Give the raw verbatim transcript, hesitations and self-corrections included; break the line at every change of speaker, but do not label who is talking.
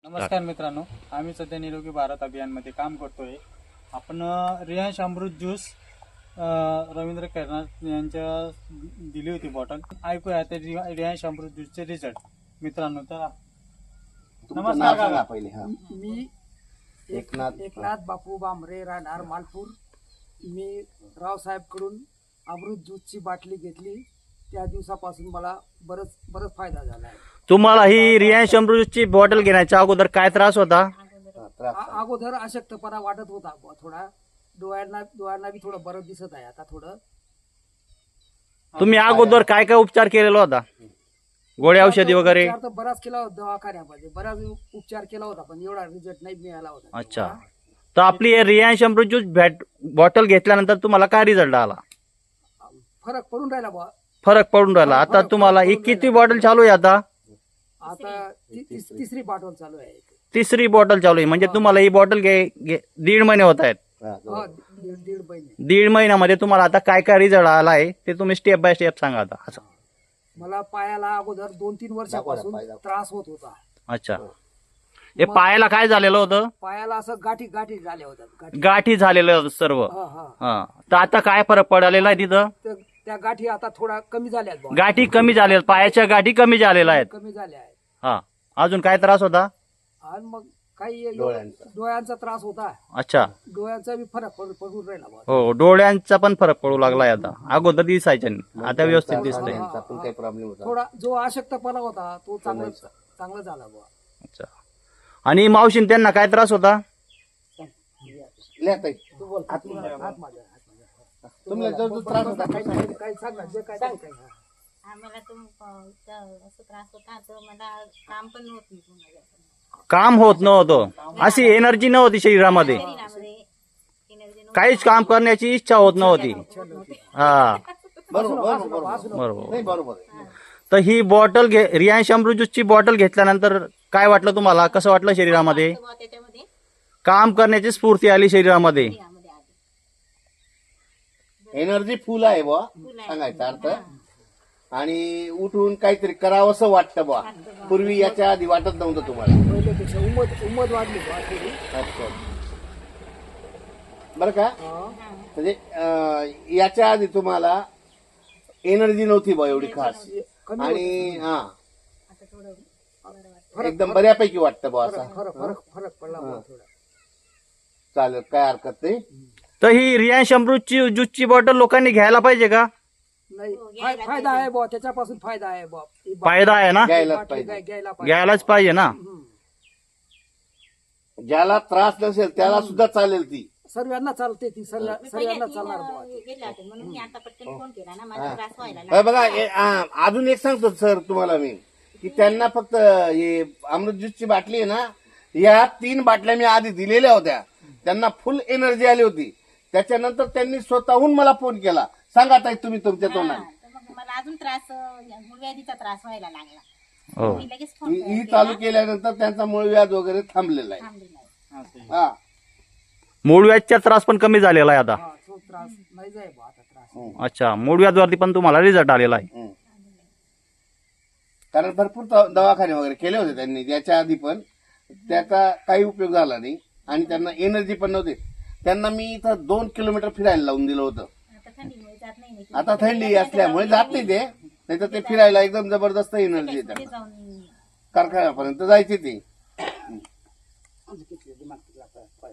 नमस्कार मित्रांनो, आम्ही सध्या निरोगी भारत अभियानमध्ये काम करतोय. आपण रियांश अमृत ज्यूस रवींद्र कर्नाड यांच्या दिली होती बॉटल. ऐकूया ते रियांश अमृत ज्यूसचे रिझल्ट. मित्रांनो, तर नमस्कार काका.
पहिले हा
मी
एकनाथ
एकनाथ बापू बांबरे, राहणार मालपूर. मी रावसाहेब कडून अमृत ज्यूसची बाटली घेतली. त्या दिवसापासून मला बरंच बरंच फायदा झाला आहे.
तुम्हाला ही रियांश अमृतची बॉटल घेण्याच्या अगोदर काय त्रास होता?
त्रास
आ- अगोदर अशक्तपणा वाटत होता बुवा थोडा. डोळ्यांना डोळ्यांना बी थोडं बरं दिसत आहे आता थोडं.
तुम्ही अगोदर काय काय उपचार केलेला होता? गोळ्या औषधी वगैरे?
उपचार तर बराच केला होता दवाखान्यामध्ये, बराच उपचार केला होता, पण एवढा रिझल्ट नाही मिळाला होता.
अच्छा. तर आपली हे रियांश अमृत ज्यूस बॅट बॉटल घेतल्यानंतर तुम्हाला काय रिझल्ट आला?
फरक पडून राहिला बुवा.
फरक पडून राहिला. आता
फरक
तुम्हाला ही
पडून
किती
राहिला.
बॉटल चालू आहे आता?
आता ती- ती- तिसरी बॉटल चालू आहे.
तिसरी बॉटल चालू आहे. म्हणजे तुम्हाला ही बॉटल घे घे- दीड महिने होत आहेत.
हा,
हा, दीड दीड महिने.
दीड महिन्यामध्ये तुम्हाला आता काय काय रिझल्ट आला आहे ते तुम्ही स्टेप बाय स्टेप सांगा आता. असं.
मला पायाला अगोदर दोन तीन वर्षापासून
पाय दाखवा.
त्रास होत होता.
अच्छा. हे पायाला काय झालेलं होतं?
पायाला असं गाठी गाठी झाल्या होत्या. गाठी
गाठी झालेलं होतं सर्व.
हा हा
हा. तर आता काय फरक पडलेला आहे तिथं?
तर त्या गाठी आता थोडा कमी झाल्या आहेत बुवा.
गाठी कमी झालेल्या, पायाच्या गाठी कमी झालेल्या आहेत.
कमी झाल्या आहेत.
हा. अजून काय त्रास होता?
आणि मग काही एवढं-
डोळ्यांचा.
डोळ्यांचा त्रास होता.
अच्छा.
डोळ्यांचा बी फरक पड- पडून राहिला बुवा.
हो, डोळ्यांचा पण फरक पडू लागलाय आता. अगोदर दिसायच्या नाही, आता व्यवस्थित दिसतंय.
डोळ्यांचा पण काही प्रॉब्लेम होता.
थोडा जो अशक्तपणा होता तो चांगला चांगला झाला बुवा.
अच्छा. आणि मावशीन त्यांना काय त्रास होता?
लिहा ताई.
तू बोल. हात माझा, हात माझा, हात माझा.
तुम्हाला जो जो त्रास होता
काही काही- काही सांग ना, जे काय ते काय. हा.
आम्हाला तुम असं त्रास होता तर मला काम पण होत नाही पुन्हा.
काम होत नव्हतं, अशी एनर्जी नव्हती शरीरामध्ये,
शरीरामध्ये एनर्जी
काहीच काम करण्याची इच्छा होत नव्हती. हा,
बरोबर बरोबर बरोबर
बरोबर.
नाही बरोबर आहे.
तर ही बॉटल घे रियांश अमृत ज्यूसची बॉटल घेतल्यानंतर काय वाटलं तुम्हाला? कसं वाटलं शरीरामध्ये?
त्याच्यामध्ये
काम करण्याची स्फूर्ती आली शरीरामध्ये.
यामध्ये आली.
एनर्जी फुल आहे बुवा सांगायचा अर्थ. आणि उठून काहीतरी करावंसं वाटतं बुवा. पूर्वी याच्या आधी वाटत नव्हतं तुम्हाला.
पहिल्यापेक्षा उमद उमद वाढली बुवा थोडी.
अच्छा. बरं का?
हा.
म्हणजे अं, याच्या आधी तुम्हाला एनर्जी नव्हती बुवा एवढी खास.
कमी
आणि हा
आता थोडं बरं वाटतं.
एकदम बऱ्यापैकी वाटतं बुवा असं.
फरक फरक फरक पडला बुवा थोडा.
चालेल, काय हरकत नाही.
तर ही रियांश अमृतची ज्यूसची बॉटल लोकांनी घ्यायला पाहिजे का?
नाही फाय- फायदा आहे बुवा, त्याच्यापासून फायदा आहे बुवा. ही बाटली-
फायदा आहे ना?
घ्यायलाच
बाटली
पाहिजे.
घ्याय- घ्यायला पाहिजे.
घ्यायलाच पाहिजे ना.
हम्म.
ज्याला त्रास नसेल त्याला सुद्धा चालेल ती.
सर्वांना चालते ती, सर्व-
मी
सर्वांना
पहिल्या
चालणार
तीन,
बुवा.
अं, गेले होते म्हणून मी आता पटकन फोन केला ना, माझा त्रास व्हायला
हे
लागला.
बघा हे, आ, अजून एक सांगतो सर तुम्हाला मी की त्यांना फक्त हे अमृत ज्यूसची बाटली आहे ना, या तीन बाटल्या मी आधी दिलेल्या होत्या. त्यांना फुल एनर्जी आली होती. त्याच्यानंतर त्यांनी स्वतःहून मला फोन केला, सांगा ताई तुम्ही तुमच्या
हा,
तोंडाने.
तर मग मला अजून त्रास, मूळव्याधीचा त्रास व्हायला लागला.
हो.
मी लगेच फोन
ही ही चालू केल्यानंतर त्यांचा मूळ व्याज वगैरे थांबलेला आहे.
थांबलेला आहे.
हा
मूळव्याधचा त्रास पण कमी झालेला आहे आता.
हा, तो त्रास नाही जाय बुवा आता त्रास.
हम्म,
अच्छा. मूळव्याधवरती पण तुम्हाला रिझल्ट आलेला आहे.
हम्म. कारण भरपूर द- दवाखाने वगैरे केले होते त्यांनी याच्या आधी, पण त्याचा काही उपयोग झाला नाही. आणि त्यांना एनर्जी पण नव्हती. त्यांना मी इथं दोन किलोमीटर फिरायला लावून दिलं होतं.
आता थंडीमुळे जात नाही ना.
आता थंडी असल्यामुळे जात नाही ते, नाही तर ते फिरायला एकदम जबरदस्त एनर्जी येते.
पुढे जाऊन
कारखान्यापर्यंत जायचे ते.